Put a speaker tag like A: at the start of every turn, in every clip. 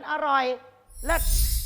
A: อร่อยเลิศ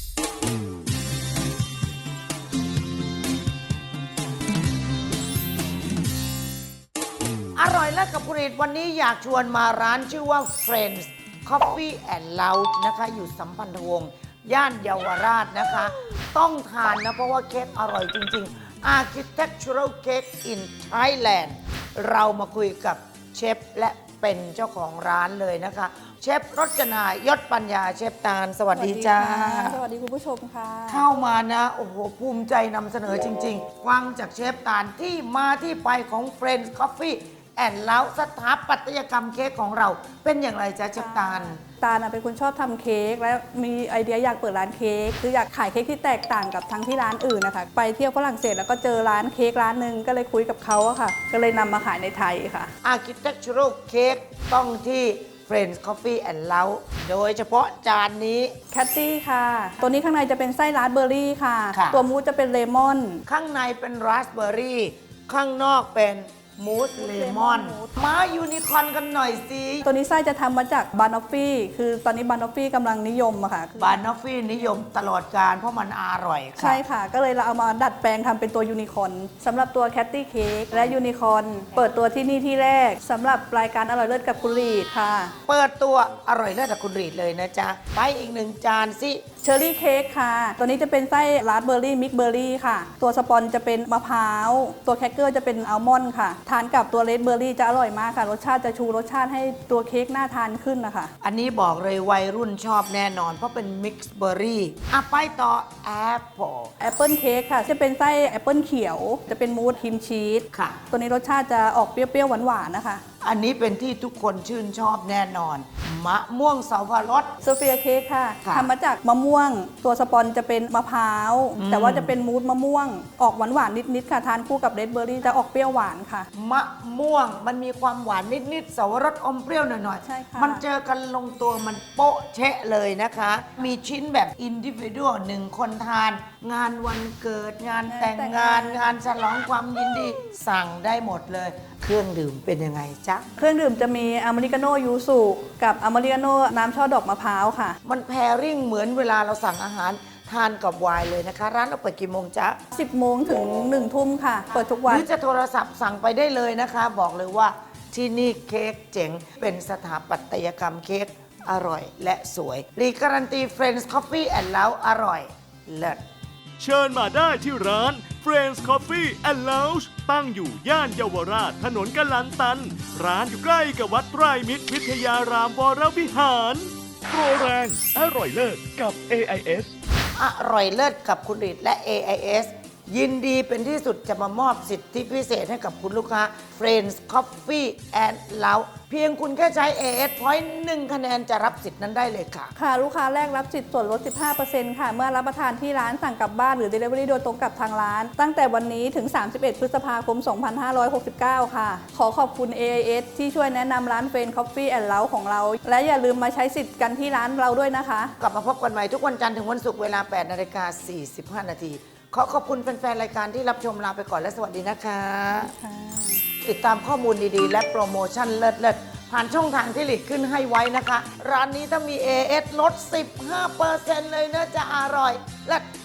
A: อร่อยเลิศกับคุณฤทธิ์วันนี้อยากชวนมาร้านชื่อว่า Friends Coffee and Lounge นะคะอยู่สัมพันธวงศ์ย่านเยาวราชนะคะ ต้องทานนะเพราะว่าเค้กอร่อยจริงๆ Architectural Cake in Thailand เรามาคุยกับเชฟและเป็นเจ้าของร้านเลยนะคะเชฟรจนายศปัญญาเชฟตาลสวัสดีจ้า
B: สวัสดีคุณผู้ชมค่ะ
A: เข้ามานะโอ้โหภูมิใจนำเสนอจริงๆฟังจากเชฟตาลที่มาที่ไปของ Friends Coffee and Lounge สถาปัตยกรรมเค้กของเราเป็นอย่างไรจ๊ะเชฟตาล
B: เป็นคนชอบทำเค้กและมีไอเดียอยากเปิดร้านเค้กคืออยากขายเค้กที่แตกต่างกับทั้งที่ร้านอื่นนะคะไปเที่ยวฝรั่งเศสแล้วก็เจอร้านเค้กร้านหนึ่งก็เลยคุยกับเขาอะค่ะก็เลยนำมาขายในไทยค่ะ
A: Architectural Cake ต้องที่ Friends Coffee and Lounge โดยเฉพาะจานนี้
B: แคตตี้ค่ะตัวนี้ข้างในจะเป็นไส้ราสเบอร์รี่ค่ะตัวมูสจะเป็นเลมอน
A: ข้างในเป็นราสเบอร์รี่ข้างนอกเป็นมูสเลมอนมายูนิคอร์นกันหน่อยสิ
B: ตัวนี้ไส้จะทำมาจากบานอฟฟี่คือตอนนี้บานอฟฟี่กำลังนิยมอะค่ะ
A: บานอฟฟี่นิยมตลอดกาลเพราะมันอร่อยค่ะ
B: ใช่ค่ะก็เลยเราเอามาดัดแปลงทำเป็นตัวยูนิคอร์นสำหรับตัวแคตตี้เค้กและยูนิคอร์นเปิดตัวที่นี่ที่แรกสำหรับรายการอร่อยเลิศกับคุณรีดค่ะ
A: เปิดตัวอร่อยเลิศกับคุณรีดเลยนะจ๊ะไปอีกหนึ่งจานสิ
B: เชอร์รี่เค้กค่ะตัวนี้จะเป็นไส้ราสเบอร์รี่มิกเบอร์รี่ค่ะตัวสปอนจะเป็นมะพร้าวตัวแครกเกอร์จะเป็นอัลมอนด์ค่ะทานกับตัวเลดเบอร์รี่จะอร่อยมากค่ะรสชาติจะชูรสชาติให้ตัวเค้กน่าทานขึ้นนะคะ
A: อันนี้บอกเลยวัยรุ่นชอบแน่นอนเพราะเป็นมิกซ์เบอร์รี่ไปต่อแอปเปิล
B: เค้กค่ะจะเป็นไส้แอปเปิลเขียวจะเป็นมูสครีมชีส
A: ค่ะ
B: ตัวนี้รสชาติจะออกเปรี้ยวๆหวานๆนะคะ
A: อันนี้เป็นที่ทุกคนชื่นชอบแน่นอนมะม่วงสับปะรด
B: โซเฟียเค้กค่ะทำมาจากมะม่วงตัวสปอนจะเป็นมะพร้าวแต่ว่าจะเป็นมูสมะม่วงออกหวานๆนิดๆค่ะทานคู่กับเรดเบอร์รี่จะออกเปรี้ยวหวานค่ะ
A: มะม่วงมันมีความหวานนิดๆสับปะรดอมเปรี้ยวหน่อย
B: ๆใช่ค่ะ
A: มันเจอกันลงตัวมันโป๊ะเชะเลยนะคะมีชิ้นแบบอินดิวิวหนึ่งคนทานงานวันเกิดงานแต่งงานงานฉลองความยินดีสั่งได้หมดเลยเครื่องดื่มเป็นยังไงจ๊ะ
B: เครื่องดื่มจะมีอเมริกาโน่ยูสุกับอเมริกาโน่น้ำช่อดอกมะพร้าวค่ะ
A: มันแพริ่งเหมือนเวลาเราสั่งอาหารทานกับไวน์เลยนะคะร้านเราเปิดกี่โมงจ๊ะ
B: 10 โมงถึง 1 ทุ่มค่ะเปิดทุกวัน
A: หรือจะโทรศัพท์สั่งไปได้เลยนะคะบอกเลยว่าที่นี่เค้กเจ๋งเป็นสถาปัตยกรรมเค้กอร่อยและสวยรีการันตี Friends Coffee and Lounge อร่อยเลิศ
C: เชิญมาได้ที่ร้าน Friends Coffee and Lounge ตั้งอยู่ย่านเยาวราชถนนกลันตันร้านอยู่ใกล้กับวัดไตรมิตรวิทยารามวรวิหารโปรแรงอร่อยเลิศกับ AIS
A: อร่อยเลิศกับคุณฤทธิ์และ AIS ยินดีเป็นที่สุดจะมามอบสิทธิพิเศษให้กับคุณลูกค้า Friends Coffee and Lounge เพียงคุณแค่ใช้ AIS Point 1 คะแนนจะรับสิทธิ์นั้นได้เลยค่ะ
B: ค่ะลูกค้าแรกรับสิทธิ์ส่วนลด 15% ค่ะเมื่อรับประทานที่ร้านสั่งกลับบ้านหรือ Delivery โดยตรงกับทางร้านตั้งแต่วันนี้ถึง 31 พฤษภาคม 2569 ค่ะขอขอบคุณ AIS ที่ช่วยแนะนำร้าน Friends Coffee and Lounge ของเราและอย่าลืมมาใช้สิทธิ์กันที่ร้านเราด้วยนะคะ
A: กลับมาพบกันใหม่ทุกวันจันทร์ถึงวันศุกร์เวลา 8:45 น.ขอขอบคุณแฟนๆรายการที่รับชมลาไปก่อนและสวัสดีนะคะติดตามข้อมูลดีๆและโปรโมชั่นเลิศๆผ่านช่องทางที่หลีกขึ้นให้ไว้นะคะร้านนี้ถ้ามี AS ลด 15% เลยนะจะอร่อยเลิศ